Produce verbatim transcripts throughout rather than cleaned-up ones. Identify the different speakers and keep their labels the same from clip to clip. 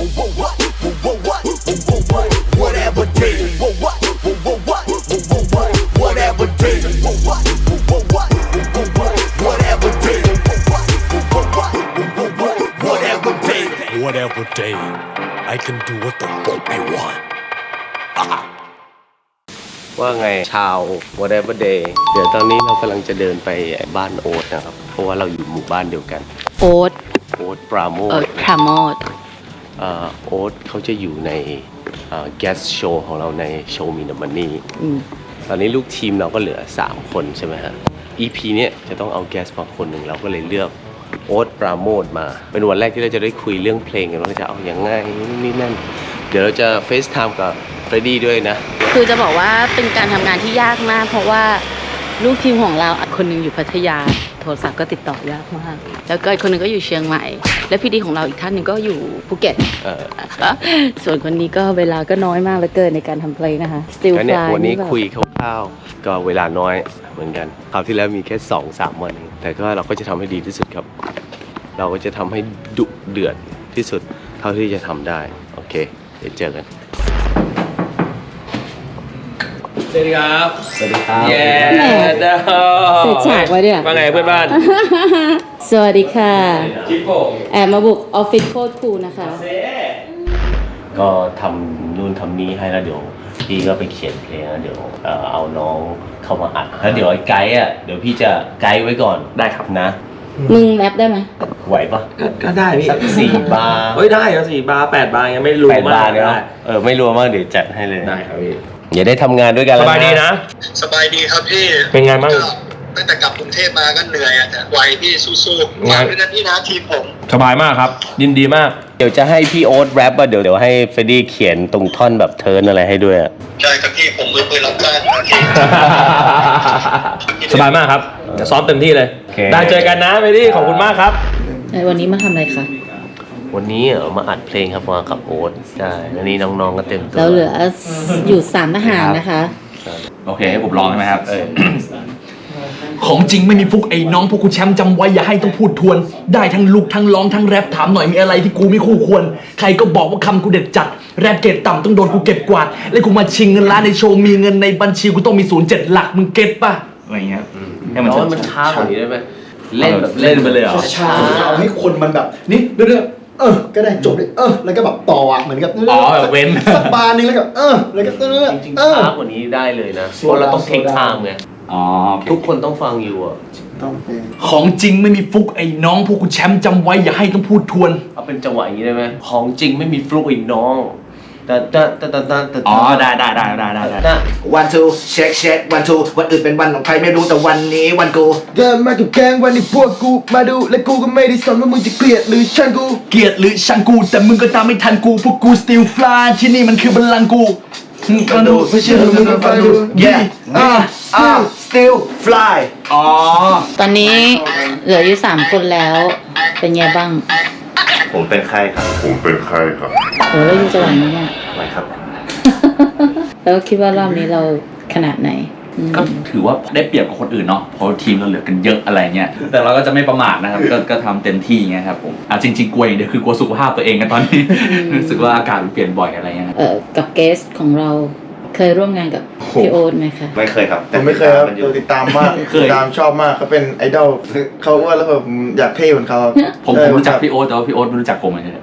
Speaker 1: whatever day whatever day whatever day whatever day whatever day I can do what the fuck I want
Speaker 2: ว่าไงชาว whatever day เดี๋ยวตอนนี้เรากำลังจะเดินไปบ้านโอ๊ตนะครับเพราะว่าเราอยู่หมู่บ้านเดียวกัน
Speaker 3: โอ๊ต
Speaker 2: โอ๊ตปราโมท
Speaker 3: โอ๊ตปราโมท
Speaker 2: โอ๊ตเขาจะอยู่ใน guest show ของเราใน Show Me The Money ตอนนี้ลูกทีมเราก็เหลือสามคนใช่ไหมฮะ อี พี เนี้ยจะต้องเอา guest มาคนหนึ่งเราก็เลยเลือกโอ๊ตปราโมทมาเป็นวันแรกที่เราจะได้คุยเรื่องเพลงกันว่าจะเอาอย่างไงนี่นั่นเดี๋ยวเราจะ FaceTime กับเฟรดดี้ด้วยนะ
Speaker 3: คือจะบอกว่าเป็นการทำงานที่ยากมากเพราะว่าลูกทีมของเราคนหนึงอยู่พัทยาโทรศัพท์ก็ติดต่อยากมากแล้วก็อีกคนหนึงก็อยู่เชียงใหม่และพี่ดีของเราอีกท่านหนึ่งก็อยู่ภูเก็ตส่วนคนนี้ก็เวลาก็น้อยมากเหลือเกินในการทำเพลงนะคะ Still Fly
Speaker 2: วันนี้คุยคร่าวๆก็เวลาน้อยเหมือนกันคราวที่แล้วมีแค่ สองสาม วันเองแต่ก็เราก็จะทำให้ดีที่สุดครับเราก็จะทำให้ดุเดือดที่สุดเท่าที่จะทำได้โอเคเดี๋ยวเจอกัน
Speaker 4: สวัสดีครับ
Speaker 2: สวัสดีครับ
Speaker 4: เย้เด้อ
Speaker 3: เสร็จฉากไว้เนี่ย
Speaker 4: ว่าไงเพื่อนบ้าน
Speaker 3: สวัสดีค่ะ
Speaker 4: จิ๊บผม
Speaker 3: แอบมาบุกออฟฟิศโคตรคูลนะคะ
Speaker 2: ก็ทำนู่นทำนี้ให้แล้วเดี๋ยวพี่ก็ไปเขียนเพลงแล้วเดี๋ยวเอาน้องเข้ามาอัดแล้วเดี๋ยวไอ้ไกด์อ่ะเดี๋ยวพี่จะไกด์ไว้ก่อน
Speaker 4: ได้ครับ
Speaker 2: นะ
Speaker 3: มึงแรปได้ไหม
Speaker 2: ไหวปะ
Speaker 4: ก็ได้พี่
Speaker 2: สักสี่บาร์
Speaker 4: เฮ้ยได้ครับสี่บาร์แปดบาร์ยังไม่รู้มาก
Speaker 2: เลยเออไม่รู้มากเดี๋ยวจัดให้เลย
Speaker 4: ได้ครับพี่
Speaker 2: อย่าได้ทำงานด้วยกัน
Speaker 4: สบายดีนะ
Speaker 5: สบายดีครับพี่
Speaker 4: เป็นไงบ้าง
Speaker 5: ตั้งแต่กลับกรุงเทพมาก็เหนื่อยอ่ะแต่ไหวพี่สู้ๆงานด้วยนะพี่นะทีมผม
Speaker 4: สบายมากครับยินดีมาก
Speaker 2: เดี๋ยวจะให้พี่โอ๊ตแรปอ่ะเดี๋ยวเดี๋ยวให้เฟรดดี้เขียนตรงท่อนแบบเทิร์นอะไรให้ด้วย
Speaker 5: ใช่ครับพี่ผมมือปืนรับจ้างนะพี่
Speaker 4: สบายมากครับจะซ้อมเต็มที่เลยได้เจอกันนะเฟรดดี้ขอบคุณมากครับ
Speaker 3: วันนี้มาทำอะไรคะ
Speaker 2: วันนี้เออมาอัดเพลงครับมากับโอ๊ตใช่วันนี้น้องๆก็เต็มตัว
Speaker 3: แล้วเหลืออยู่สามทหารนะคะ
Speaker 4: โอเคให้ผมลองใช่ไหมครับ
Speaker 6: ของจริงไม่มีฟุกไอ้น้องพวกกูแชมป์จำไว้อย่าให้ต้องพูดทวนได้ทั้งลุกทั้งร้องทั้งแรปถามหน่อยมีอะไรที่กูไม่คู่ควรใครก็บอกว่าคำกูเด็ดจัดแรปเกรดต่ำต้องโดนกูเก็บกวาดและกูมาชิงเงินล้านในโชว์มีเงินในบัญชีกูต้องมีศูนย์เจ็ดหลักมึงเก็ตป่ะ
Speaker 4: อะไรเงี้ย
Speaker 2: ให้มันมันช้ากว่านี้ได้ไหมเล่นแบบเล่นไปเลยเหรอ
Speaker 7: ช้าเอาให้คนมันแบบนี่เรื่อยๆเออก็ได้จบเลยเออแล้วก็แบบต่ออ่ะเหมือนกับ
Speaker 4: อ๋อแบบเว้น
Speaker 7: สักบาร์นึงแล้วก็เออแล้วก็เรื่อย
Speaker 2: ๆจริงๆช้ากว่านี้ได้เลยนะเพราะเราต้องเทคไทม์ไง
Speaker 4: อ๋อ
Speaker 2: ทุกคนต้องฟังอยู่อ่ะ
Speaker 6: ของจริงไม่มีฟุกไอ้น้องพวกกูแชมป์จำไว้อย่าให้ต้องพูดทวน
Speaker 2: เอาเป็นจังหวะอย่างนี้ได้ไหมของจริงไม่มีฟุกไอ้น้องแต่แต่แต่แต่แต่
Speaker 4: อ๋อได้ได้ได้ได้ได้ได้
Speaker 7: วันทูเช็คเช็ควันทูวันอื่นเป็นวันของใครไม่รู้แต่วันนี้วันกูเดินมากับแกงวันนี้พวกกูมาดูและกูก็ไม่ได้สนว่ามึงจะเกลียดหรือชังกู
Speaker 6: เกลียดหรือชังกูแต่มึงก็ตามไม่ทันกูพวกกู still fly ที่นี่มันคือบัลลังก์กู
Speaker 7: มาดูไม่เชื่อมึงก็ฟังดู yeah ah ah still fly
Speaker 4: อ๋อ
Speaker 3: ตอนนี้เหลืออยู่สามคนแล้วเป็นไงบ้าง
Speaker 2: ผมเป็นใครครับ
Speaker 8: ผมเป็นใครครับ
Speaker 3: โหแล้วอยู่จังหวัดนี้เนี่ย
Speaker 2: อะไรครับ
Speaker 3: แล้วคิดว่ารอบนี้เราขนาดไหน
Speaker 4: ก็ถือว่าได้เปรียบกับคนอื่นเนาะเพราะทีมเราเหลือกันเยอะอะไรเงี้ยแต่เราก็จะไม่ประมาทนะครับก็ก็ทำเต็มที่เงี้ยครับผมอ่ะจริงๆกลัวอย่างเดียวคือกลัวสุขภาพตัวเองกันตอนนี้รู้สึกว่าอากาศมันเปลี่ยนบ่อยอะไรเงี้ย
Speaker 3: เออกับเกสของเราเคยร่วมงานกับพี่โอ๊ตไหมคะ
Speaker 2: ไม่เคยครับ
Speaker 7: ผมไม่เคยครับติดตามมากติดตามชอบมากเขาเป็นไอดอลเขาอ้วนแล้วผมอยากเท่เหมือนเขา
Speaker 4: ผมผมรู้จักพี่โอ๊ตแต่ว่าพี่โอ๊ตไม่รู้จักผมเลย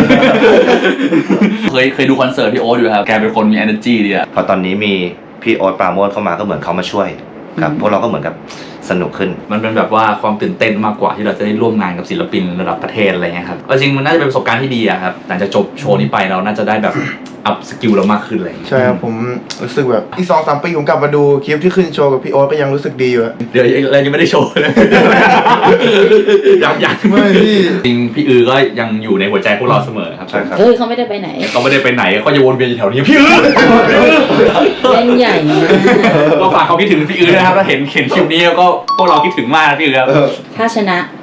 Speaker 4: เคยเคยดูคอนเสิร์ตพี่โอ๊ตอยู่ครับแกเป็นคนมี energy ดีอะ
Speaker 2: พอตอนนี้มีพี่โอ๊ตปราโมทเข้ามาก็เหมือนเขามาช่วยครับพวกเราก็เหมือนกับสนุกขึ้น
Speaker 4: มันเป็นแบบว่าความตื่นเต้นมากกว่าที่เราจะได้ร่วมงานกับศิลปินระดับประเทศอะไรเงี้ยครับจริงมันน่าจะเป็นประสบการณ์ที่ดีอะครับหลังจากจบโชว์นี้ไปเราน่าจะได้แบบอัพสกิลเรามากขึ้นเลย
Speaker 7: ใช่ครับผมรู้สึกแบบอีกสองสามปีผมกลับมาดูคลิปที่ขึ้นโชว์กับพี่โอ๊ตก็ยังรู้สึกดีอยู่
Speaker 4: เดี๋ยวเรายังไม่ได้โชว์เลยยังยัง
Speaker 7: ไม่พี่
Speaker 4: จริงพี่อือก็ยังอยู่ในหัวใจพวกเราเสมอครับ
Speaker 2: ใช่ครับ
Speaker 3: เฮ้ยเขาไม่ได้ไปไหน
Speaker 4: เขาไม่ได้ไปไหนเขาจะวนเวียนอยู่แถวนี้พี่อือ
Speaker 3: เล่นใหญ่
Speaker 4: ก็ฝากเขาคิดถึงพี่อือนะครับถ้าเห็นเห็นคลิปนี้ก็พวกเราคิดถึงมากพี่อือครับ
Speaker 3: ถ้าชนะ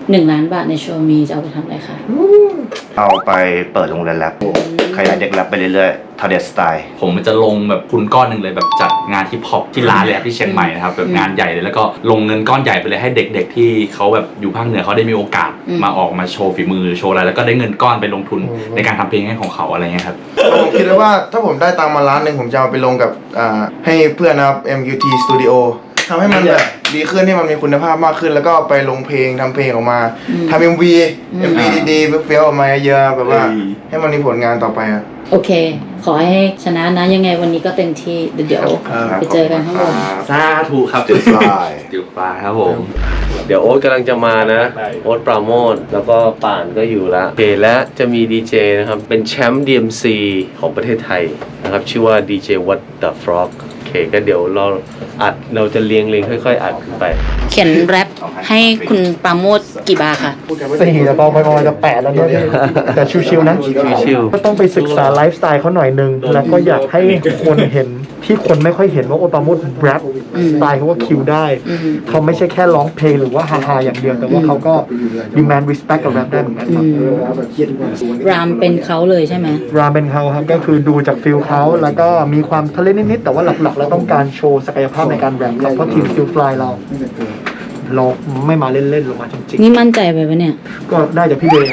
Speaker 3: หนึ่งล้านบาทในโชว์มีจะเอาไปทำอะไรคะ
Speaker 7: เอาไปเปิดโรงเรียนแรปขยายเด็กแรปไปเรื่อยๆทาเดสไตล์
Speaker 4: ผมจะลงแบบทุนก้อนหนึ่งเลยแบบจัดงานฮิปฮอปที่ร้านแรปที่เชียงใหม่นะครับแบบงานใหญ่เลยแล้วก็ลงเงินก้อนใหญ่ไปเลยให้เด็กๆที่เขาแบบอยู่ภาคเหนือเขาได้มีโอกาสมาออกมาโชว์ฝีมือโชว์อะไรแล้วก็ได้เงินก้อนไปลงทุนในการทำเพลงให้ของเขาอะไรเงี้ยครับ
Speaker 8: ผมคิดเลยว่าถ้าผมได้ตังค์มาล้านหนึ่งผมจะเอาไปลงกับอ่าให้เพื่อนนะครับ เอ็ม ยู ที Studio ทำให้มันแบบดีขึ้นให้มันมีคุณภาพมากขึ้น แล้วก็ไปลงเพลงทำเพลงออกมาทำ เอ็ม วี เอ็ม วี ดีๆเฟี้ยวๆออกมาเยอะแบบว่าให้มันมีผลงานต่อไปอะ
Speaker 3: โอเค ขอให้ชนะนะยังไงวันนี้ก็เต็มที่เดี๋ยวไปเจอกันข้างบน
Speaker 4: สาธุครับ
Speaker 7: จุดปลาย
Speaker 4: จุดปลายครับผม
Speaker 2: เดี๋ยวโอ๊ตกำลังจะมานะ โอ๊ตปราโมทแล้วก็ป่านก็อยู่แล้วโอเคและจะมีดีเจนะครับ เป็นแชมป์ ดี เอ็ม ซี ของประเทศไทยนะครับ ชื่อว่าดีเจ What the Frog โอเคก็เดี๋ยวเราอัดเราจะเรียงเรียงค่อยๆ อัดขึ้นไป
Speaker 3: เขียนแรปให้คุณปราโมทกี่บาร์ค่ะ
Speaker 9: สี่แต่พอไปประมาณจะแปดแล้วเนี่ยแต่ชิวๆนะ
Speaker 2: ชิว
Speaker 9: ก็ต้องไปศึกษาไลฟ์สไตล์เขาหน่อยนึง แล้วก็อยากให้คนเห็นที่คนไม่ค่อยเห็นว่าโอปาโมดแรปสไตล์เขาว่าคิวได้ เขาไม่ใช่แค่ร้องเพลงหรือว่าฮาๆอย่างเดียว แต่ว่าเขาก็ demand respect กับแรปได้เหมือนกันครับ
Speaker 3: รามเป็นเขาเลยใช่ไหม
Speaker 9: รามเป็นเขาครับก็คือดูจากฟิลเขาแล้วก็มีความทะเลนิดๆแต่ว่าหลักๆเราต้องการโชว์ศักยภาพในการแรปครับเพราะทีมฟิลฟลายเรา เราไม่มาเล่นๆเรามาจริง
Speaker 3: นี่มั่นใจไปปะเนี่ย
Speaker 9: ๆก็ได้จากพี่เดย์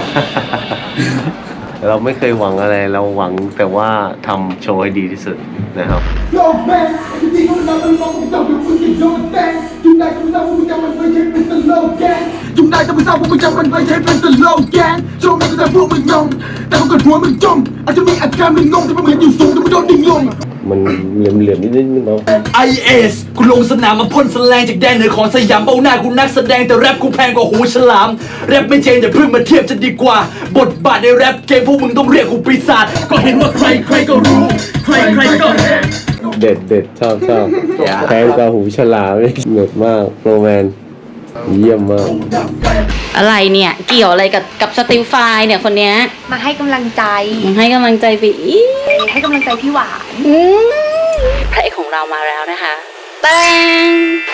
Speaker 2: เราไม่เคยหวังอะไรเราหวังแต่ว่าทำโชว์ให้ดีที่สุดนะครับ
Speaker 10: จุงได้ต้องไปทราบว่ามึงจะมันไม่ใช่เป็นตลกแกงโชว์มันก็จะพวกมึงงงแต่พอเกิดหัวมึงจมอาจจะมีอาการมึงงงแต่มันเหมือนอยู่สูงแต่มันโดนดิ่งลง
Speaker 2: มันเหลื่อมๆนิดนึงเนาะ
Speaker 6: ไอ เอส กูลงสนามมาพ่นแสลงจากแดนเหนือของสยามเบ้าหน้ากูนักแสดงแต่แรปกูแพงกว่าหูฉลามแรปไม่เจนอย่าเพิ่งมาเทียบจะดีกว่า บทบาทในแรปเกมพวกมึงต้องเรียกกูปีศาจก็เห็นว่าใครใครก็รู้ใครใครก็
Speaker 2: เด็ดเด็ดชอบชอบแพงกว่าหูฉลามเหนืดมากโรแมนเยี่ยมมาก
Speaker 3: อะไรเนี่ย เกี่ยวอะไรกับกับสติลไฟเนี่ยคนเนี้ย
Speaker 11: มาให้กำลังใจ
Speaker 3: มึงให้กำลังใจไปอีก
Speaker 11: ให้กำลังใจพี่หวาน
Speaker 3: อืมพระเอกของเรามาแล้วนะคะแตง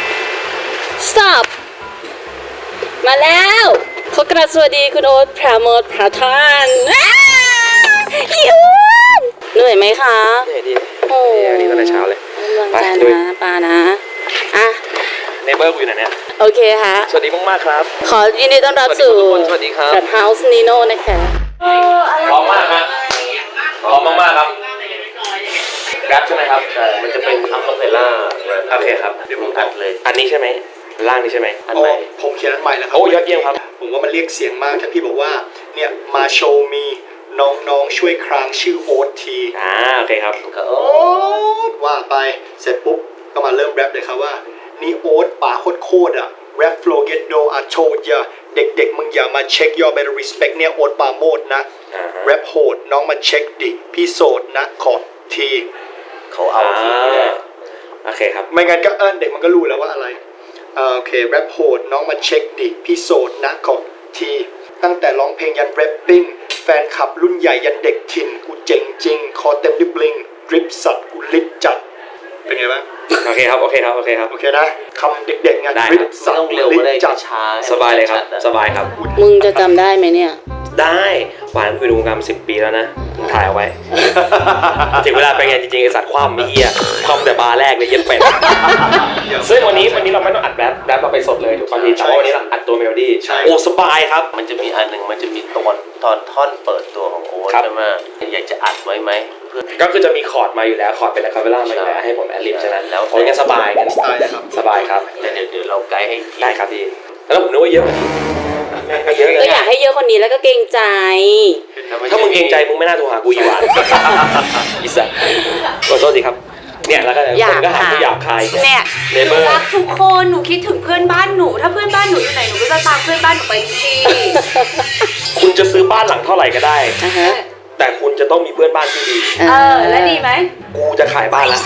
Speaker 3: stop มาแล้วขอกราบสวัสดีคุณโอ๊ตพระโมทพระทานอ้าอีอ้วนเหนื่อยไหมคะเหนื่อยดีโอ้ยดีตั้งแต่เช้าเลยกำลังใจนะปานะอ่ะ
Speaker 2: เนเบอร์กูอยู่ไหนเนี่ย
Speaker 3: โอเคค่ะ
Speaker 2: สวัสดีมากๆครับ
Speaker 3: ขอยินดีต้อนรับสู่
Speaker 2: สวัสดีครับ
Speaker 3: แบบ House Nino นะคะ
Speaker 2: พร้อมมากครับพร้อมมากๆครับแรปใช่ไหมครับใช่มันจะเป็นอัลคาเพลล่าโอเคครับเดี๋ยวผมอัดเลยอันนี้ใช่ไหมล่างนี้ใช่ไหมอันไหน
Speaker 8: ผมเขียนอันใหม่แล้วครับ
Speaker 2: โอ้ยอดเยี่ยมครับ
Speaker 8: ผมว่ามันเรียกเสียงมากถ้าพี่บอกว่าเนี่ยมาโชว์มีน้องๆช่วยครางชื่อโอ๊ตที
Speaker 2: อ่าโอเคครับ
Speaker 8: โอ๊ตว่าไปเสร็จปุ๊บก็มาเริ่มแรปเลยครับว่านี่โอ๊ตป่าโคตรๆอ่ะแรปโฟล์เกตโดอาโชดอย่าเด็กๆมึงอย่ามาเช็คยอ better respect เนี่ยโอ๊ตปาโมดนะแรปโหดน้องมาเช็คดิพี่โสดนะขอที
Speaker 2: เขาเอาทีเลยโอเคครับ
Speaker 8: ไม่งั้นก็เอิ้นเด็กมันก็รู้แล้วว่าอะไรเอ่อโอเคแรปโหดน้องมาเช็คดิพี่โสดนะขอทีตั้งแต่ร้องเพลงยันแรปปิ้งแฟนคลับรุ่นใหญ่ยันเด็กถิ่นกูเจ๋งจริงคอเต็มดิบลิงดริปสัตว์กูลิดจัดเป็นไงบ้าง
Speaker 2: โอเคครับโอเคครับโอเคครับ
Speaker 8: โอเคนะคำเด็กๆไง
Speaker 2: ได้
Speaker 8: ดริ
Speaker 2: ครั
Speaker 8: ป
Speaker 2: บ
Speaker 8: สัต
Speaker 2: ต้อ
Speaker 8: ว์
Speaker 2: งเร็ว
Speaker 8: ลิ
Speaker 2: ไม่
Speaker 8: ด
Speaker 2: ได้
Speaker 8: จัด
Speaker 2: ช้าสบายเลยครับสบายครับ
Speaker 3: มึงจะจำได้ไหมเนี่ย
Speaker 2: ได้หวานคุยดูวงการมาสิบปีแล้วนะผมถ่ายเอาไว้ ถึงเวลาไปงานจริงๆไอสัตว์คว่ำมีเหี้ยคว่ำแต่บาร์แรกเลยเย็นเป็ดซึ่งวันนี้วันนี้เราไม่ต้องอัดแรปแรปเราไปสดเลยถูกป่ะพี่แต่ว่าวันนี้เราอัดตัวเมโลดี้โอ้สบายครับมันจะมีอันหนึ่งมันจะมีตอนตอนท่อนเปิดตัวของโอ๊ตใช่ไหมอยากจะอัดไว้ไหมก็คือจะมีคอร์ดมาอยู่แล้วคอร์ดเป็นอะคาเปลล่ามาอยู่แล้วให้ผมแอดลิปฉะนั้นแล้วโอ้ยงั้นสบายกันสบายครับสบายครับเดี๋ยวเดี๋ยวเราไกด์ให้ได้ครับพี่แล้วผมนึกว่าเยอะเยอะเลย
Speaker 3: ก็อยากให้เยอะคนนี้แล้วก็เกรงใจ
Speaker 2: ถ้ามึงเกรงใจมึงไม่น่าโทรหากูอีหวานอิสระขอโทษทีครับเนี่ยแล้วก็คนก็หากูหยาบคาย
Speaker 11: เนี่ย
Speaker 2: เน
Speaker 11: ห
Speaker 2: เบ
Speaker 11: นู
Speaker 2: อร์
Speaker 11: รักทุกคน หนูคิดถึงเพื่อนบ้านหนู ถ้าเพื่อนบ้านหนูอยู่ไหน หนูก็จะตามเพื่อนบ้านหนูไปทุกที่
Speaker 2: คุณจะซื้อบ้านหลังเท่าไหร่ก็ได้
Speaker 3: อ่ะฮะ
Speaker 2: แต่คุณจะต้องมีเพื่อนบ้านที่ดี
Speaker 11: เออ แล้วดีไหม
Speaker 2: กูจะขายบ้านละ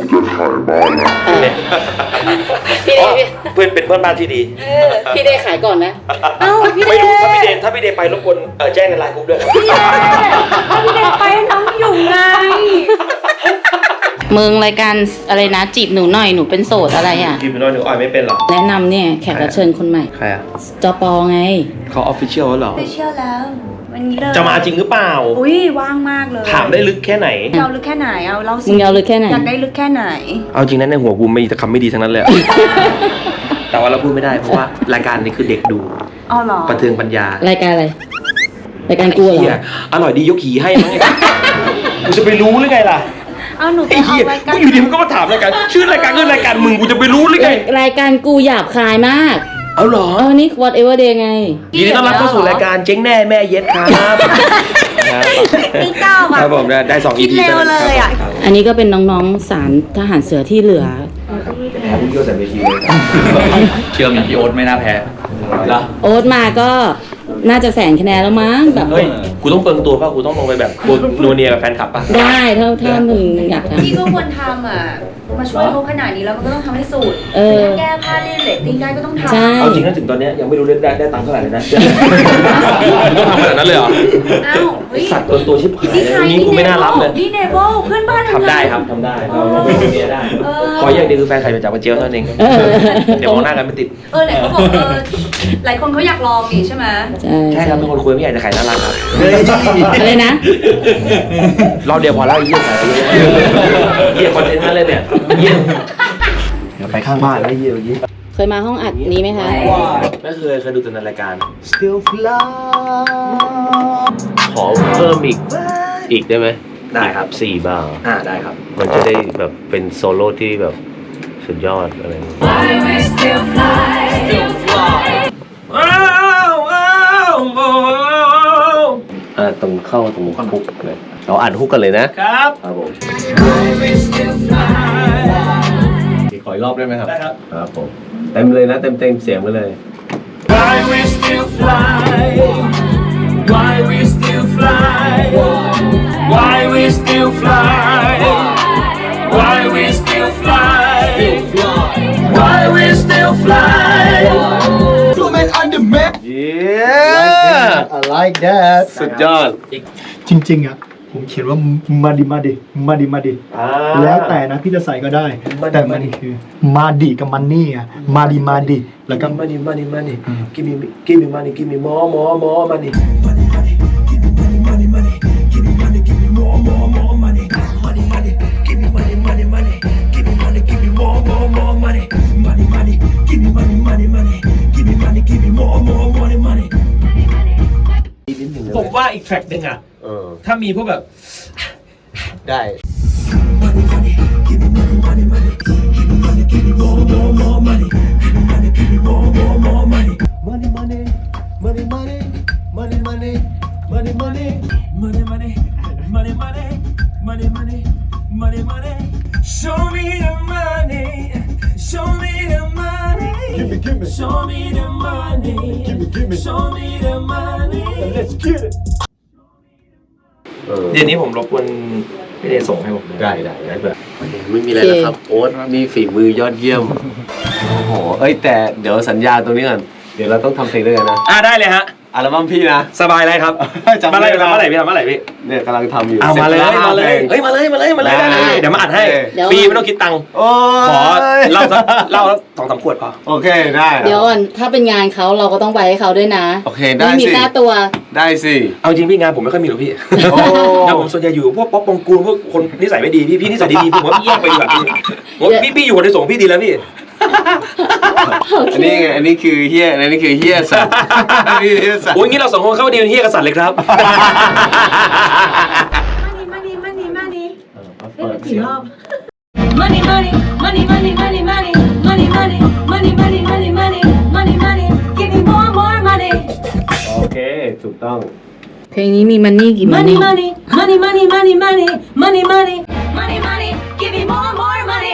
Speaker 3: พี่เด
Speaker 2: อ๋อ
Speaker 3: ย์
Speaker 2: เพื่อนเป็นเพื่อนบ้านที่ดี
Speaker 3: พี่เดย์ขายก่อนนะ
Speaker 11: เอ้าพี่เด
Speaker 2: ไม่
Speaker 11: ย์
Speaker 2: รู้ถ้าพี่เดนถ้าพี่เดนไปรบกวนเออแจ้งในไลน์กรุ๊ปด้วยครับ
Speaker 11: พี่เดย์ถ้าพี่เดย์ไปน้องอยู่ไง
Speaker 3: มึงรายการอะไรนะจีบหนูหน่อยหนูเป็นโสดอะไรอ่ะ
Speaker 2: จีบหนูหน่อยหนูอ่อยไม่เป็นหรอ
Speaker 3: แนะนำเนี่ยแขกรับเชิญคนใหม่
Speaker 2: ใครอ่ะ
Speaker 3: จปอไง
Speaker 2: เขาออฟฟิเชียลเหรอ
Speaker 11: ไปเชี่ยวแล้ว วันนี้เลย
Speaker 2: จะมาจริงหรือเปล่า
Speaker 11: อุ้ยว่างมากเลย
Speaker 2: ถามได้ลึกแค่ไหน
Speaker 11: จะเอาลึกแค่ไหนเอาเราสิ
Speaker 3: มึงเอาลึกแค่ไหน
Speaker 11: อยากได้ลึกแค่ไหน
Speaker 2: เอาจริงนะในหัวกูมีแต่คำไม่ดีทั้งนั้นเลย แต่ว่าเราพูดไม่ได้เพราะว่ารายการนี้คือเด็กดู
Speaker 11: อ๋อเหรอ
Speaker 2: ประเทืองปัญญาร
Speaker 3: ายการอะไร รายการกูเหร
Speaker 2: เหี้ย
Speaker 3: อ
Speaker 2: อร่อยดียกขี่ให้มั้งไง กูจะไปรู้หรือไงล่ะ
Speaker 11: เอาหนูไป
Speaker 2: ไอ้
Speaker 11: เอา
Speaker 2: เหี้ย
Speaker 11: รายการ
Speaker 2: กูอยู่ดีมึงก็มาถามรายการชื่อรายการก็รายการมึงกูจะไปรู้หรือไง
Speaker 3: รายการกูหยาบคายมาก
Speaker 2: เอาเหรอ
Speaker 3: เออนี่ whatever day ไง
Speaker 2: ยินดีต้อนรับเข้าสู่รายการเจ๊งแน่แม่เย็ดครับ
Speaker 11: พี่เก้า
Speaker 2: ค
Speaker 11: อ่ะ
Speaker 2: รับผมได้สอง อี
Speaker 11: คิด
Speaker 2: พี
Speaker 11: เร็วเลยอ่ะ
Speaker 3: อันนี้ก็เป็นน้องๆสารทหารเสือที่เหลือ
Speaker 2: แพ้พุ่งเกี่ยวใส่เวทีเลย
Speaker 4: เชื่อมีพี่โอ๊ตไม่น่าแพ้เหรอ
Speaker 3: โอ๊ตมาก็น่าจะแสนคะแนนแล้วมั้งแบบ
Speaker 2: เฮ้ย กูต้องเปิงตัวป่ะ กูต้องลงไปแบบกูนัวเนียกับแฟนคลับป่ะ
Speaker 3: ได้ถ้าถ้ามึงอยากท
Speaker 11: พี่ก็ควรทำอ่ะ มาช่วยเขาขนาดนี้แล้วมันก็ต้องทำให้สุด
Speaker 3: เออ
Speaker 11: ถ้าแก้ผ้าเล่นเรตติ้งได้ก็ต้องทำ
Speaker 3: ใช่
Speaker 2: เอาจริงนะถึงตอนเนี้ยยังไม่รู้เล่นได้ได้ตังค์เท่าไหร่เลยนะ ต้องทำขนาดนั้นเลยเหรอ
Speaker 11: อ้าวเฮ้ย
Speaker 2: สัตว์ตัวตัวชิบหาย
Speaker 11: นี่ใคร
Speaker 2: นี้กูไม่น่ารับเลย
Speaker 11: นี่เนเบิลเพื่อนบ้าน
Speaker 2: ทำได้ครับทำได้เราเราเป็นคนเมียได้
Speaker 11: เออ
Speaker 2: ขออย่างเดียวคือแฟนใครไปจับมาเจียวเท่านั้นเอง
Speaker 3: เออ
Speaker 2: เดี๋ยวมองหน้ากันไม่ติด
Speaker 11: เออไหนเขาบอกเออหลายคนเขาอยากลองนี่ใช่ไหม
Speaker 3: ใช่
Speaker 2: ใช่ครับเป็นคนคุยไม่อยากจะขายน่ารักครับ
Speaker 3: อะไรนะ
Speaker 2: รอบเดียวพอแล้วไอ้เยี่ยขายไปเยอะเยี่ยคอนเทนต์นั่นเลยเนี่ยเยี่ยเดี๋ยวไปข้างบ้านแล้วเยี่ยเมื่อกี้
Speaker 3: เคยมาห้องอัดนี้ไหมคะ
Speaker 2: ไม่เคยเคยดูแต่ในรายการ
Speaker 7: Still fly
Speaker 2: ขอเพิ่มอีกอีกได้ไหม
Speaker 4: ได้ครับ
Speaker 2: สี่บาร์
Speaker 4: อ่าได้ครับ
Speaker 2: มันจะได้แบบเป็นโซโล่ที่แบบสุดยอดอะไรอย่างเงี้ยอ่าตรงเข้าตรงฮุกเลยเราอ่านฮุกกันเลยนะครับครับผมขออีกรอบได้ไหมครับได้ครับครับผมเต็มเลยนะเต็มเต็มเสียงไปเลย
Speaker 10: Why we still fly Why we still fly Why we still fly Why we still fly Why we still fly Blue man on the map
Speaker 2: yeah
Speaker 7: I like that
Speaker 2: สุดยอด
Speaker 9: จริงๆอ่ะผมเขียนว่ามาดิมาดิมาดิมาดิแล้วแต่นะพี่จะใส่ก็ได้ แต่มันคือมาดิกับมันนี่อ่ะมาดิมาดิแล้วก็
Speaker 2: money money money give me give me money give me more more more money
Speaker 6: ผมว่าอีกแทร็กหนึ่งอ่ะ
Speaker 2: เออ
Speaker 6: ถ้ามีพวกแบบ
Speaker 2: ได้
Speaker 7: Money money money money money money money money
Speaker 10: Money money Money money Money money Money money Show me the money Show me the money
Speaker 7: Give me give me
Speaker 10: Show me the money
Speaker 7: Give me give me
Speaker 10: Show me the money
Speaker 7: Let's get it
Speaker 2: เออ
Speaker 6: เดี๋ยวนี้ผมรบกวนพี่เดชส่งให้ผม
Speaker 2: ได้ได้ได้แบบไม่มีอะไรแล้วครับ โอ๊ตมีฝีมือยอดเยี่ยม โอ้โห เอ้ยแต่เดี๋ยวสัญญาตรงนี้ก่อน เดี๋ยวเราต้องทำเพลงด้วยกันนะ
Speaker 6: อ่าได้เลยฮะ
Speaker 2: อัลบั้มพี่นะ
Speaker 6: สบายเลยครับ
Speaker 2: จำ
Speaker 6: มา
Speaker 2: ได้
Speaker 6: เลย
Speaker 2: นะ
Speaker 6: ทำเมื่อไหร่พี่ทำเมื่อไหร่พี่
Speaker 2: เนี่ยกำลังทำอยู่
Speaker 6: เอามาเลย
Speaker 2: สร็จแว
Speaker 6: มาเลย
Speaker 2: ห้พง
Speaker 6: เฮ้ยมาเลยมาเลยมาเลย
Speaker 2: ได้
Speaker 6: ได้เลยเดี๋ยวมาอัดให้
Speaker 3: เดี๋ยว
Speaker 6: ฟรีไม่ต้องคิดตังค์
Speaker 2: โอ้
Speaker 6: ขอย เล่าสักเล่าสักสองสามขวดพอ
Speaker 2: โอเคได้
Speaker 3: เดี๋ยวก่อนถ้าเป็นงานเขาเราก็ต้องไปให้เขาด้วยนะ
Speaker 2: โอเคได้
Speaker 3: ไม่มี
Speaker 2: สิ
Speaker 3: ค่าตัว
Speaker 2: ได้สิ
Speaker 6: เอาจริงพี่งานผมไม่ค่อยมีหรอกพี่
Speaker 2: โอ้
Speaker 6: งานผมส่วนใหญ่อยู่พวกป๊อปปองกูลพวกคนนิสัยไม่ดีพี่พี่นิสัยดีๆผมว่าพี่แยกไปดีกว่าพี่ผมว่าพี่พี่อยู่คนในส่งพี่ดีแล้วพี่
Speaker 2: อันนี้ไงอันนี้คือเฮียอันนี้คือเฮียสัตว์อันนี้เฮียสัตว์
Speaker 6: โอ้ยงี้เราสองคนเข้าดีเป็นเฮียกษัตริย์เลยครับ
Speaker 11: money money money
Speaker 2: เปิดเสียง
Speaker 11: money money money money money money money money money money money money money money give me more more money
Speaker 2: โอเคถูกต้อง
Speaker 3: เพลงนี้มีมันนี่กี่มัน
Speaker 11: money
Speaker 3: นี่
Speaker 11: money money money money money money money money money give me more more money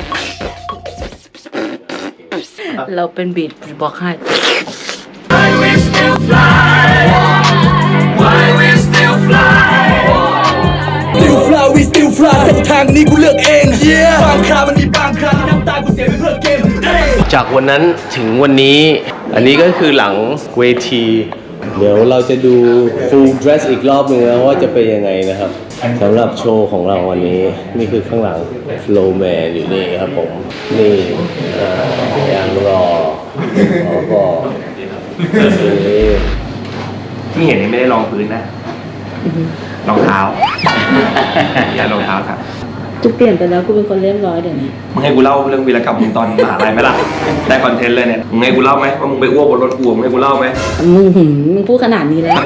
Speaker 3: เราเป็นบีทบอกให้
Speaker 10: Why we still fly Why we still fly
Speaker 6: Still fly we still fly เส้นทางนี้กูเลือกเองบางครามันมีบางคราที่น้ำตากูเสียไปเพื่อเกม
Speaker 2: จากวันนั้นถึงวันนี้ อันนี้ก็คือหลังเวที เดี๋ยวเราจะดู full dress อีกรอบหนึ่งนะว่าจะเป็นยังไงนะครับสำหรับโชว์ของเราวันนี้นี่คือข้างหลังโลแมนอยู่นี่ครับผม นี่อ่ายังรอรอก่อนนี่
Speaker 6: ที่เห็นนี่ไม่ได้รองพื้นนะรองเท้าอย่ารองเท้าครับ
Speaker 3: กูเปลี่ยนไปแล้วกูเป็นคนเรียบร้อยเดี๋ยวนี้
Speaker 6: มึงให้กูเล่าเรื่องวีรกรรมมึงตอนมหาลัยไหมล่ะได้คอนเทนต์เลยเนี่ยมึงให้กูเล่าไหมว่ามึงไปอ้วกบนรถกูมึงให้กูเล่าไหม
Speaker 3: มึงหืมมึงพูดขนาดนี้แล้ว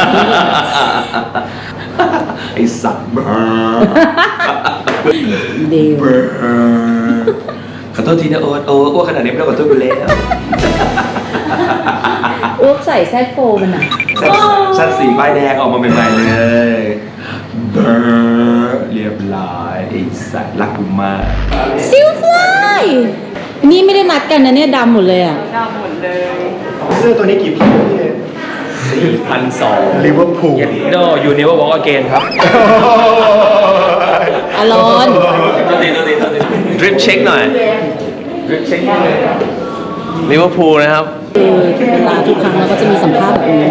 Speaker 6: ไอ้สัตว์
Speaker 3: เดียว
Speaker 6: ขอโทษทีนะโอ๊ตโอ้อ้วกขนาดนี้ไม่ต้องขอโทษกูแล้ว
Speaker 3: อ้วกใส่แซกโฟมันอ่ะ
Speaker 6: ชัดสีป้ายแดงออกมาใหม่ๆเลยเบอร์เรียบร้อยไอ้สัตว์รักกูมาก
Speaker 3: ซิลฟลายนี่ไม่ได้นัดกันนะเนี่ยดำหมดเลยอ่ะ
Speaker 8: เสื้อตัวนี้กี่พันพี่
Speaker 6: สี่พันสอง
Speaker 8: ลิเวอร์พูล
Speaker 6: เย็นโดอยู่เนเวอร์วอล์กอเกนครับ
Speaker 3: อารอน
Speaker 6: ตัวตีตัวตีตัวตีดริปเช็คหน่อยดริปเช็คหน่อย
Speaker 2: ลิเวอร์พูลนะครับ
Speaker 3: คือเวลาทุกครั้งเราก็จะมีสัมภาษณ์แบบนี้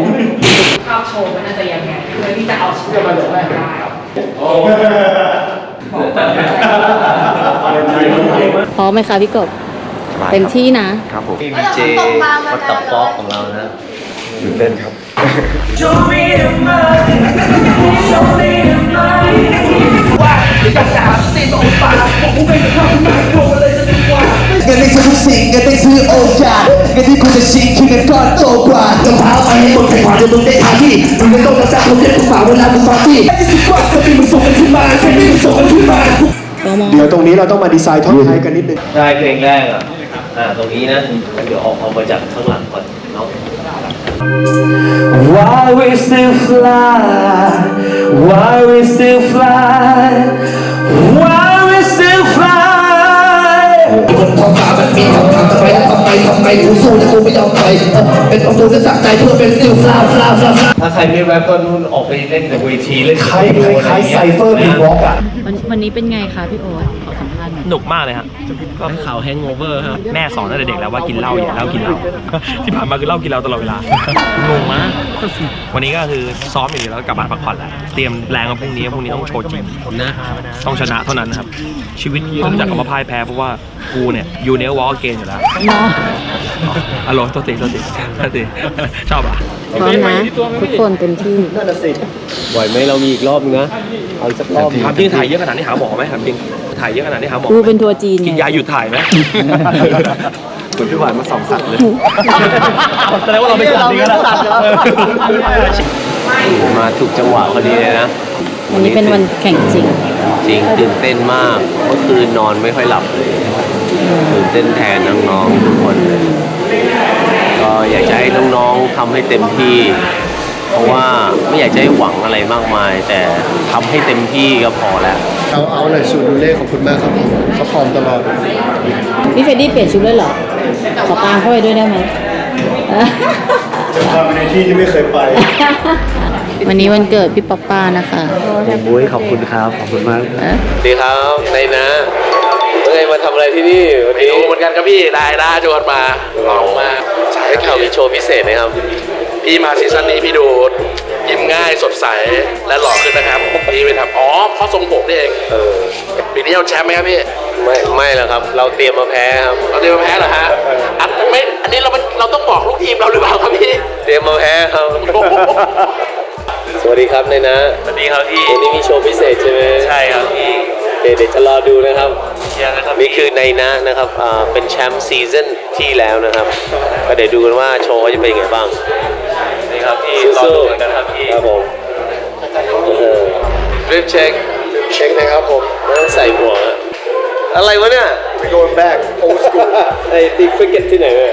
Speaker 3: พร้อมไหมคะพี่กบเต็มที่นะครับ
Speaker 2: ผมดีเจวัตถุฟอกของเรานะตื่นเต้นครับ
Speaker 7: เงินได้ซื้อทุกสิ่งเงินได้ซื้อโอกาสเงินที่คุณจะชิงคือเงินก้อนโตกว่ารองเท้าไปให้หมดแข่งขันจะมึงได้ทาที่มึงไม่ต้องมาจ้างคนเล่นทุกฝ่าเวลามึงปาร์ตี้ไอ้ที่สุดกว่าจะมีมึงส่งกันขึ้นมาแค่นี้มึงส่งกันขึ้นมาเดี๋ยวตรงนี้เราต้องมาดีไซน์ท่อนท้ายกันนิดนึง
Speaker 2: ได้เพลงแรกอ่ะ อ่า ตรงนี้นะงั้นเดี๋ยวออกเอามาจากข้างหลังก่อนเนาะ
Speaker 10: Why we still fly? Why we still fly? Why we still fly?
Speaker 7: บนท้องฟ้ามันมีคำถามทำไมทำไมทำไมกูสู้แต่กูไม่ยอมไปเป็นของกูจะสักใจเพื่อเป็นสติลฟลาฟลาฟลา
Speaker 2: ถ้าใครไม่แรปก็นู่นออกไปเล่นในเวทีเล่น
Speaker 7: ใครใครไซเฟอร์บีบล็อกอ่ะ
Speaker 3: วันวันนี้เป็นไงคะพี่โอ๊ตขอสัมภาษณ์หน่อย
Speaker 6: หนุกมากเลยฮะก็
Speaker 2: ข่าวแฮงโอเวอร์ครับ
Speaker 6: แม่สอนตั้งแต่เด็กแล้วว่ากินเหล้าอย่าเหล้ากินเหล้า ที่ผ่านมาคือเหล้ากินเหล้าตลอดเวลางงมากวันนี้ก็คือซ้อมอย่างเดียวแล้วก็กลับบ้านพักผ่อนแล้วเตรียมแรงมาพรุ่งนี้พรุ่งนี้ต้องโชว์จริง
Speaker 2: นะ
Speaker 6: ต้องชนะเท่านั้นนะครับชีวิตเริ่มจากคำว่าพ่ายแพ้เพราะว่ากูเนี่ยยูเนลวอลเกนอยู่แล้ว
Speaker 3: เนาะ
Speaker 6: อารมณ์ตัวติตัวติตัวติชอบอ่ะ
Speaker 3: พร้อมนะทุกคนเต็มที่
Speaker 7: นั่นน่ะสิ
Speaker 2: ไหวไหมเรามีอีกรอบนึงนะ เอาอีกสักรอบ
Speaker 6: ถามจริงถ่ายเยอะขนาดนี้หาหมอไหมถามจริงถ่ายเยอะขนาดนี้หาหมอ
Speaker 3: กูเป็นทัวร์จีน
Speaker 6: กินยาหยุดถ่ายไหม
Speaker 2: เหมือนพี่หวานมาสองสัตว์เลย
Speaker 6: แสดงว่าเราไม่สัตว์จริงนะ
Speaker 2: มาถูกจังหวะพอดีเลยนะ
Speaker 3: วันนี้เป็นวันแข่งจริง
Speaker 2: จริงตื่นเต้นมากเมื่อคืนนอนไม่ค่อยหลับเลยตื่นเต้นแทนน้องๆทุกคนเลยก็อยากจะให้น้องๆทำให้เต็มที่ เพราะว่าไม่อยากจะให้หวังอะไรมากมาย แต่ทำให้เต็มที่ก็พอแล้ว
Speaker 8: เอาเอาหน่อยสูตรดูเล่ขอบคุณมากครับผมเขาพร้อมตลอด
Speaker 3: พี่เฟรดดี้เปลี่ยนชุดเลยเหรอ ขอตามเข้าไปด้วยได้ไหม
Speaker 8: จะพาไปในที่ที่ไม่เคยไป
Speaker 3: วันนี้วันเกิดพี่ป๊อปป้านะคะ
Speaker 9: บุ้ยขอบคุณครับ ขอบคุณมาก
Speaker 3: เอ๊ะ
Speaker 2: ดีครับในนะเมื่อไงมาทำอะไรที่นี่วันนี้
Speaker 6: รู้เหมือนกันครับพี่ได้ได้ชวนมาลองมา
Speaker 2: ได้ข่าวมีโชว์พิเศษนะครับ
Speaker 6: พี่มาซีซั่นนี้พี่ดูยิ้มง่ายสดใสและหล่อขึ้นนะครับพี่ไปทำอ๋อเพราะทรงผมนี่เอง
Speaker 2: เออ
Speaker 6: ปีนี้เอาแชมป์ไหมครับพี่
Speaker 2: ไม่ไม่แล้วครับ เราเตรียมมาแพ้ครับ
Speaker 6: เราเตรียมมาแพ้เหรอฮะอันไม่อันนี้เรามันเราต้องบอกลูกทีมเราหรือเปล่าครับพี่
Speaker 2: เตรียมมาแพ้ครับ สวัสดีครับในนะ
Speaker 6: สวัสดีครับพี่
Speaker 2: วันนี้มีโชว์พิเศษใช่ไหม
Speaker 6: ใช่ครับพี่
Speaker 2: โอเคเดี๋ยวจะรอดูนะครับ
Speaker 6: เชียร์นะครับ
Speaker 2: นี่คือในนะนะครับอ่าเป็นแชมป์ซีซั่นที่แล้วนะครับก็เดี๋ยวดูกันว่าโชว์เขาจะเป็นยังไงบ้าง
Speaker 6: นี่ครับพี่รอ
Speaker 2: สู้
Speaker 6: ดูเหมือนกันครับพี่
Speaker 2: ๆครับผมดริฟเช็ค
Speaker 8: เช็คนะครับผม
Speaker 2: ไม่ต้องใส่หมวกอะอะไรวะเนี่ย
Speaker 8: we going back old school
Speaker 2: ไอ้ตีคริกเก็ตที่ไหนเลย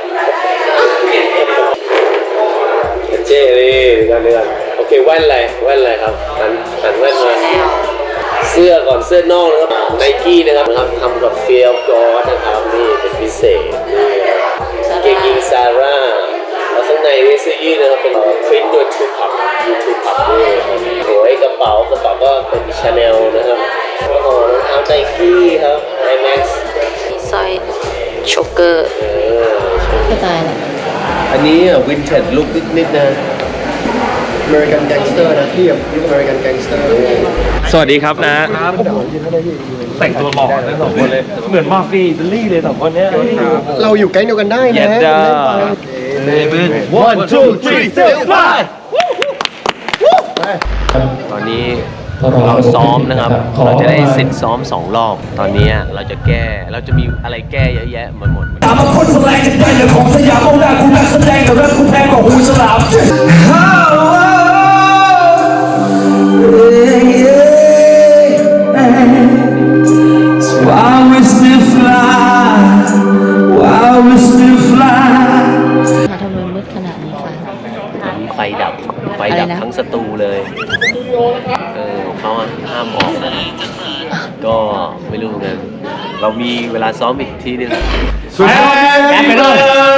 Speaker 2: เจ๊นี่กันนี่กันโอเคแว่นอะไรแว่นอะไรครับหันหันแว่นมาเสื้อก่อนเสื้อนอกนะครับไนกี้นะครับนะครับทำกับเฟียลกอร์นะครับนี่เป็นพิเศษนี่เกงยิงซาร่าแล้วข้างในนี่เสื้อยืดนะครับเป็นพริ้นท์โดยทูพับยูทูพับด้วยโอ้ยกระเป๋ากระเป๋าก็เป็นชาแนลนะครับโอ้โหรองเท้าไนกี้ครับไอแม็กซ์
Speaker 3: สร้อยโชกเกอร์
Speaker 2: เออ
Speaker 3: ก็ตายแหละ
Speaker 2: อันนี้วินเทจลุคนิดๆนะ
Speaker 8: American Gangster นะพี่แบบยุค American Gangster
Speaker 12: สวัสดีครับนะแต่งตัวหล่อทั้งสองคนเลยเหมือนมาฟีอิตาลีเลยสองคนเนี้ย
Speaker 8: เราอยู่แก๊งเดียวกันได้นะ
Speaker 12: เย็ดจ้า one two three four five
Speaker 2: ตอนนี้เราซ้อมนะครับ เราจะได้เสร็จซ้อมสองรอบ ตอนนี้เราจะแก้ เราจะมีอะไรแก้เยอะแยะหมดหมด
Speaker 7: ตามมาคนแสดงจะได้เรื่องของสยามเอาหน้าคุณนักแสดงกับเรื่องคุณแพงกว่าหูฉลาม While we still fly While we still fly
Speaker 3: มาทำไมมืดขนาดนี้คะ
Speaker 2: ไฟดับ ไฟดับ
Speaker 3: อะไรนะ
Speaker 2: ทั้งสตูเลย เออเขาห้ามออกนะ ก็ไม่รู้เหมือนกัน เรามีเวลาซ้อมอีกทีนึง
Speaker 12: แอบไปเลย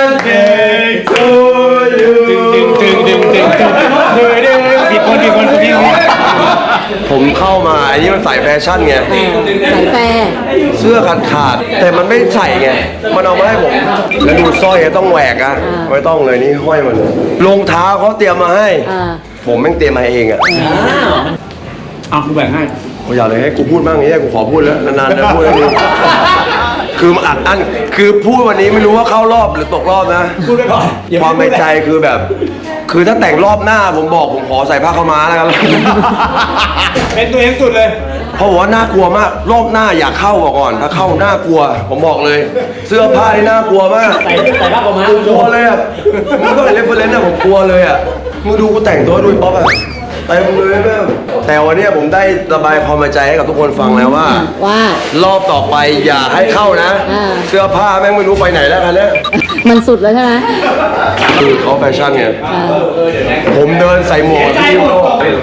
Speaker 12: ดึงดึงดึงดึงดึงดึงดึงผิดคนผิดคนผิดคน
Speaker 13: ผมเข้ามาอันนี้มันสายแฟชั่นไง
Speaker 3: สายแฟร์
Speaker 13: เสื้อขาดขาดแต่มันไม่ใส่ไง มันเอามาให้ผม แล้วดูสร้อยต้องแหวกอะไม่ต้องเลยนี่ห้อยมาเลยรองเท้าเขาเตรียมมาให้
Speaker 3: อ่า
Speaker 13: ผมแม่งเตรียมมาเองอะ
Speaker 12: อ่ะกูแบ่งให้
Speaker 13: ผมอยากเลยให้กูพูดบ้างอย่างนี้กูขอพูดแล้วนานๆจะพูดอันนี้คือมันอัดอั้นคือพูดวันนี้ไม่รู้ว่าเข้ารอบหรือตกรอบนะ
Speaker 12: พูดไปก่อน
Speaker 13: ความในใจคือแบบ คือถ้าแต่งรอบหน้าผมบอกผมขอใส่ผ้าขาวม้าแล้วกัน
Speaker 12: เป็นตัวเองสุดเลย
Speaker 13: เพราะว่าน่ากลัวมาก รอบหน้าอยากเข้าก่อน ถ้าเข้าน่ากลัว ผมบอกเลย เสื้อผ้านี่น่ากลัวมาก
Speaker 12: ใส่ใส่ผ้าขาวม้า
Speaker 13: ผมกลัวเลยอ่ะมึงก็เป็นเรฟเฟอเรนซ์อะผมกลัวเลยอ่ะมึงดูกูแต่งตัวดูป๊อปอ่ะเต็มเลยแม่งแต่วันนี้ผมได้ระบายความในใจให้กับทุกคนฟังแล้วว่า
Speaker 3: ว่า
Speaker 13: รอบต่อไปอย่าให้เข้านะ
Speaker 3: อ่า
Speaker 13: เสื้อผ้าแม่งไม่รู้ไปไหนแล้วคันเนี้ย
Speaker 3: มันสุดแล้วใช่ไหม
Speaker 13: คือเขาแฟชั่นไง
Speaker 3: อ่า
Speaker 13: ผมเดินใส่หมวกพี่โล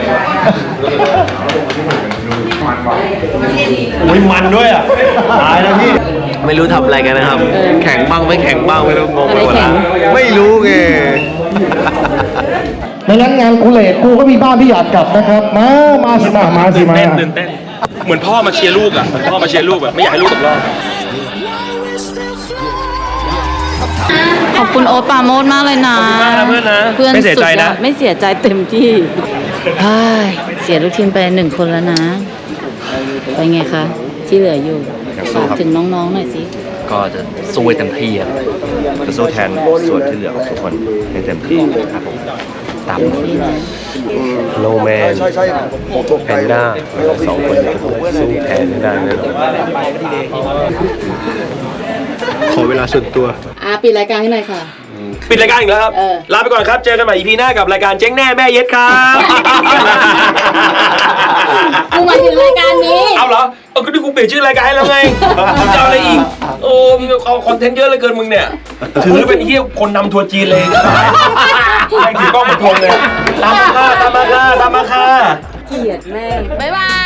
Speaker 12: อุ้ยมันด้วยอ่ะตายแล้วพี่
Speaker 2: ไม่รู้ทำอะไรกันนะครับ แข่งบ้างไม่แข่งบ้างไม่รู้งงไปหมด
Speaker 3: อะไรแข่
Speaker 2: แล้ว
Speaker 3: ง
Speaker 13: ไม่รู้ไง
Speaker 9: ในนั้นงานกูเลทกูก็มีบ้านที่อยากกลับนะครับ มา มาสิมา มาสิมา
Speaker 12: เต้นตื่นเต้น เหมือนพ่อมาเชียร์ลูกอ่ะเหมือนพ่อมาเชียร์ลูกแบบไม่อยากให้ลูกตกรอบ
Speaker 3: ขอบคุณโอ๊ตปราโมชมากเลยนะ
Speaker 12: ขอบคุณมากนะเพื่อนนะ
Speaker 3: เพื่อน
Speaker 12: ไม่เสียใจนะ
Speaker 3: สุดอดไม่เสียใจเต็มที่เฮ้ยเสียลูกทีมไปหนึ่งคนแล้วนะไปไงคะ ที่เหลืออยู่ฝากถึงน้องๆหน่อยสิ
Speaker 2: ก็จะสู้ให้เต็มที่อะจะสู้แทนส่วนที่เหลือของทุกคนให้เต็มที่ครับผมตามโนแมน
Speaker 13: ใช่ใช่ผมตก
Speaker 2: แพนด้าสองคนเนี่ยสู้แทนไม่ได้แน่นอน
Speaker 13: ขอเวลาส่วนตัว
Speaker 3: อ่ะปิดรายการให้หน่อยค่ะ
Speaker 12: ปิดรายการอีกแล้วครับ
Speaker 3: เออ
Speaker 12: ลาไปก่อนครับ เจอกันใหม่ อี พี หน้ากับรายการเจ๊งแน่แม่เย็ดครับ
Speaker 3: กูหมายถึงรายการนี้
Speaker 12: เอาเหรอ เอาก็ที่กูเปลี่ยนชื่อรายการให้แล้วไงมึงจะเอาอะไรอีก โอ้มึงเอาคอนเทนต์เยอะเหลยเกินมึงเนี่ย ถือเป็นเฮียคนนำทัวร์จีนเลยให้ถือกล้องมาทวงเลย ตามมาค่ะตามมาค่ะตามมาค่ะ
Speaker 3: เกลียดแม่งบ๊ายบาย